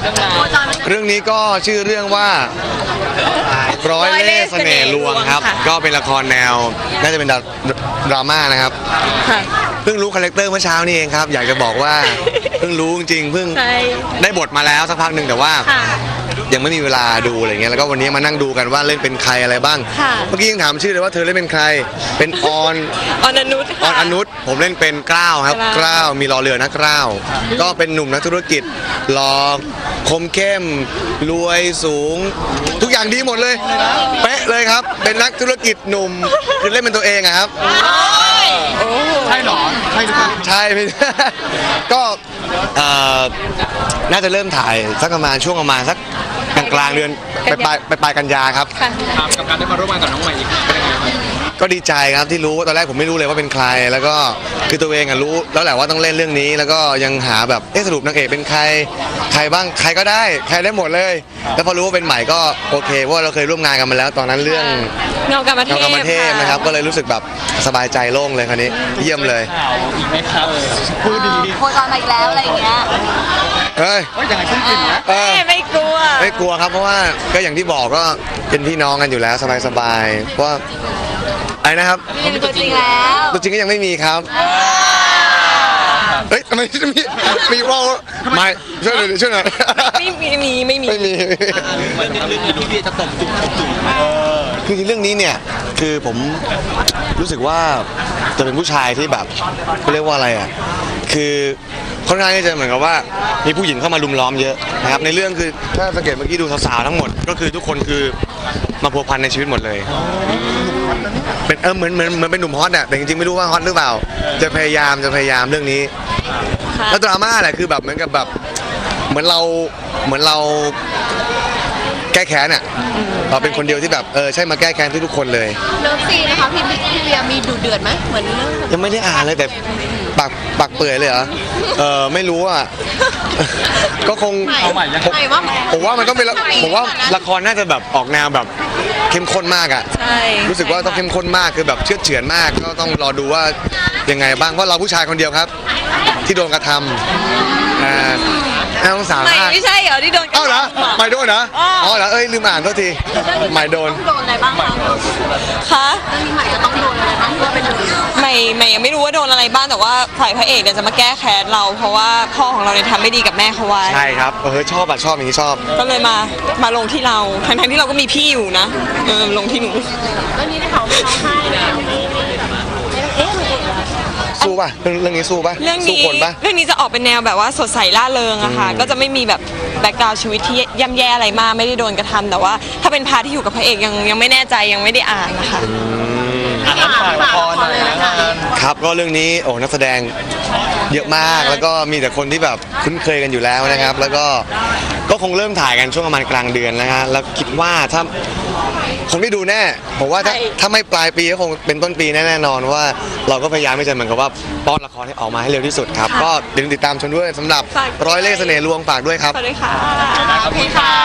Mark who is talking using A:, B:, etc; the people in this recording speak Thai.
A: เรื่องนี้ก็ชื่อเรื่องว่าร้อยเล่ห์เสน่ห์ลวงครับก็เป็นละครแนวน่าจะเป็นดราม่านะครับเพิ่งรู้คาแรคเตอร์เมื่อเช้านี่เองครับอยากจะบอกว่าเพิ่งรู้จริงๆเพิ่งได้บทมาแล้วสักพักหนึ่งแต่ว่ายังไม่มีเวลาดูอะไรเงี้ยแล้วก็วันนี้มานั่งดูกันว่าเล่นเป็นใครอะไรบ้างเมื่อกี้ยังถามชื่อเลยว่าเธอเล่นเป็นใครเป็นออน
B: อนุช
A: ผมเล่นเป็นกล้าวครับกล้าวมีรอเรือนะกล้าวก็เป็นหนุ่มนักธุรกิจหล่อคมเข้มรวยสูงทุกอย่างดีหมดเลยเป๊ะเลยครับเป็นนักธุรกิจหนุ่มคือเล่นเป็นตัวเองอะครับ
C: ใช่หรอใช่หรือเปล่า
A: ใช่ไม่ก็น่าจะเริ่มถ่ายสักประมาณช่วงประมาณสักกลางเดือนปลายกันยาครับ
C: กับการได้มาร่วมงานกับน้องใหม่อีกเป็นยังไงครับ
A: ก็ดีใจครับที่รู้ตอนแรกผมไม่รู้เลยว่าเป็นใครแล้วก็คือตัวเองรู้แล้วแหละว่าต้องเล่นเรื่องนี้แล้วก็ยังหาแบบสรุปนางเอกเป็นใครบ้างใครก็ได้ใครได้หมดเลยแล้วพอรู้ว่าเป็นใหม่ก็โอเคเพราะว่าเราเคยร่วมงานกันมาแล้วตอนนั้นเรื่อง
B: เงากรรมเทพ
A: นะครับก็เลยรู้สึกแบบสบายใจโล่งเลยคราวนี้เยี่ยมเลย
C: อีกไหมครับพูดดี
D: โคจรมาอีกแล้วอะไรอย่างเงี้ย
A: เฮ้ย
C: ยังไงขึ้นกลิ่นนะ
B: ไม่กลัว
A: ครับเพราะว่าก็อย่างที่บอกก็เป็นพี่น้องกันอยู่แล้วสบายเพราะอะไรนะครับ
D: มีตัวจริงแล้ว
A: ตัวจริงก็ยังไม่มีครับเฮ้ยทำไมมีว่าไม่ช่วยหน่อย
B: ไม่มี
C: เรื่องนี้พี่จะตบจุ่ม
A: คือเรื่องนี้เนี่ยคือผมรู้สึกว่าจะเป็นผู้ชายที่แบบเขาเรียกว่าอะไรอ่ะคือค่อนข้างที่จะเหมือนกับว่ามีผู้หญิงเข้ามาลุมล้อมเยอะนะครับในเรื่องคือถ้าสังเกตเมื่อกี้ดูสาวๆทั้งหมดก็คือทุกคนคือมาพัวพันในชีวิตหมดเลยเป็นเหมือนเป็นหนุ่มฮอตอ่ะแต่จริงๆไม่รู้ว่าฮอตหรือเปล่าจะพยายามเรื่องนี้แล้วดราม่าแหละคือแบบเหมือนกับแบบเหมือนเราแก้แค้นอ่ะเราเป็นคนเดียวที่แบบใช่มาแก้แค้นทุกคนเลย
D: เลิฟซีนะคะพี่เบียร์มีดุเดือดไหมเหมือนเรื่อง
A: ยังไม่ได้อ่านเลยแต่ปากเปื่อยเลยเหรอไม่รู้อ่ะก็คงผมว่ามันต้องเป็นผมว่าละครน่าจะแบบออกแนวแบบเข้มข้นมากอ่ะรู้สึกว่าต้องเข้มข้นมากคือแบบเชื่อเฉือนมากก็ต้องรอดูว่ายังไงบ้างเพราะเราผู้ชายคนเดียวครับที่โดนกระทำต้องสาว
B: ไม่ใช่เหรอที่โดน
A: อ้าวเหรอไม่โดนนะอ๋อเหรอลืมอ่านโทษทีไม่โดน
D: อะไรบ้าง
B: คะ
D: เรื่องนี้ใหม่จะต้องโดนอะไรบ้างเพื่อเป็น
B: ไม่ยังไม่รู้ว่าโดนอะไรบ้างแต่ว่าฝ่ายพระเอกเนี่ยจะมาแก้แค้นเราเพราะว่าพ่อของเราเนี่ยทำไม่ดีกับแม่เขาไว้
A: ใช่ครับชอบอย่างนี้ชอบ
B: ก็เลยมาลงที่เราทั้งที่เราก็มีพี่อยู่นะลงที่หนู
D: เรื่องนี้ได้เขาไม่ร้องไห้เลย
A: สู้ป่ะเรื่องนี้สู้ป่ะสู้คนป่ะ
B: เรื่องนี้จะออกเป็นแนวแบบว่าสดใสล่าเริงอะค่ะก็จะไม่มีแบบแบ็คกราวด์ชีวิตที่ย่ำแย่อะไรมากไม่ได้โดนกระทำแต่ว่าถ้าเป็นพาร์ทที่อยู่กับพระเอกยังไม่แน่ใจยังไม่ได้อ่านนะคะ
A: ครับก็เรื่องนี้นักแสดงเยอะมากแล้วก็มีแต่คนที่แบบคุ้นเคยกันอยู่แล้วนะครับแล้วก็คงเริ่มถ่ายกันช่วงประมาณกลางเดือนนะฮะแล้วคิดว่าถ้าคงได้ดูแน่ผมว่าถ้าไม่ปลายปีก็คงเป็นต้นปีแน่นอนว่าเราก็พยายามไม่จะเหมือนกับว่าป้อนละครให้ออกมาให้เร็วที่สุดครับก็ติดตามชมด้วยสำหรับร้อยเล่ห์เสน่ห์ลวงฝากด้วยครับ
B: สวัสดีค่ะ
C: ขอบคุณค่ะ